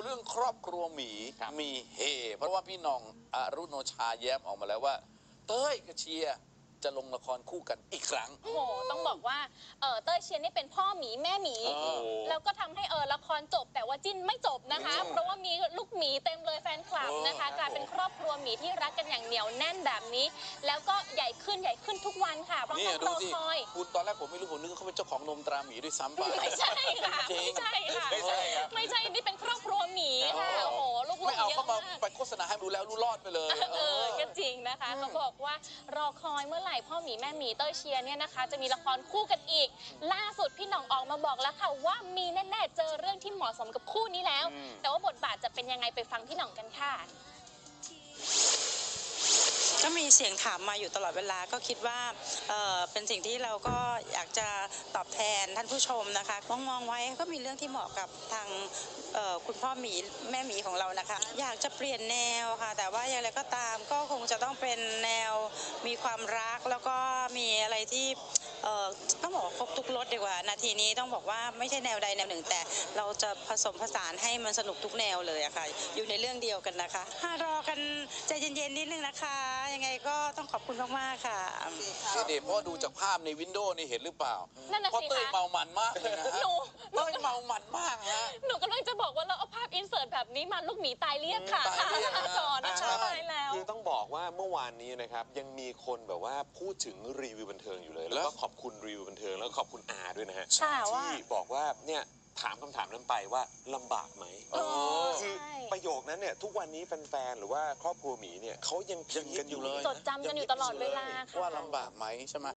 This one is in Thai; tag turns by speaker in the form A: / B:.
A: รื่องครอบครัวหมีมีเฮเพราะว่าพี่หน้องอรุโนชาแย้มออกมาแล้วว่าเต้ยกับเชียร์จะลงละครคู่กันอีกครั้ง
B: โอ้โหต้องบอกว่าเต้ยเชียร์นี่เป็นพ่อหมีแม่หมีแล้วก็ทำให้ละครจบแต่ว่าจิ้นไม่จบนะคะเพราะว่ามีลูกหมีเต็มเลยแฟนคลับนะคะกลายเป็นครอบครัวหมีที่รักกันอย่างเหนียวแน่นแบบนี้แล้วก็ใหญ่ขึ้นทุกวันค่ะเพราะต้องรอคอย
A: คุณตอนแรกผมไม่รู้ผมนึกว่าเขาเป็นเจ้าของนมตราหมีด้วยซ้ำไป
B: ไม่ใช่ค่ะไม่ใช่ค่ะไม่ใช่นี่เป็นครอบครัวหมีค่ะโอ้โหลูกๆเยอะมากไม่เอาเข้ามา
A: ไปโฆษณาให้รู้แล้วรู้รอดไปเลย
B: ก็จริงนะคะเขาบอกว่ารอคอยเมื่อไหร่พ่อหมีแม่หมีเต้ยเชียร์เนี่ยนะคะจะมีละครคู่กันอีกล่าสุดพี่หน่องออกมาบอกแล้วค่ะว่ามีแน่ๆเจอเรื่องที่เหมาะสมกับคู่นี้แล้วแต่ว่าบทบาทจะเป็นยังไงไปฟังพี่หน่องกันค่ะ
C: ก็มีเสียงถามมาอยู่ตลอดเวลาก็คิดว่าเป็นสิ่งที่เราก็อยากจะตอบแทนท่านผู้ชมนะคะมองไว้ก็มีเรื่องที่เหมาะกับทางคุณพ่อหมีแม่หมีของเรานะคะอยากจะเปลี่ยนแนวค่ะแต่ว่าอย่างไรก็ตามก็คงจะต้องเป็นแนวมีความรักแล้วก็มีอะไรที่ต้องบอกว่าครบทุกรสดีกว่านาทีนี้ต้องบอกว่าไม่ใช่แนวใดแนวหนึ่งแต่เราจะผสมผสานให้มันสนุกทุกแนวเลยอะค่ะอยู่ในเรื่องเดียวกันนะคะรอกันใจเย็นๆนิดนึงนะคะยังไงก็ต้องขอบคุณมากๆค่ะ
A: เด็กเพราะดูจากภาพในวินโดว์นี่เห็นหรือเปล่า
B: เพราะ
A: เต้ยเมามันมากเลยนะเต้ยเมามันมากฮะ
B: หนูกำลังจะบอกว่าเราเอาภาพอินเสิร์ตแบบนี้มาลูกหมีตายเรียบค่ะจอนะคะตายแล้ว
D: คือต้องบอกว่าเมื่อวานนี้นะครับยังมีคนแบบว่าพูดถึงรีวิวบันเทิงอยู่เลยแล้วก็ขอบคุณรีวิวบันเทิงแล้วก็ขอบคุณอาด้วยนะฮะที่บอกว่าเนี่ยถามคำถามนั้นไปว่าลำบากไหมคือประโยคนั้นเนี่ยทุกวันนี้แฟนๆหรือว่าครอบครัวหมีเนี่ยเขายังกันอยู่เลย
B: จดจำกันอยู่ตลอดเวลาค่ะ
A: ว่าลำบากไหมใช่ไหม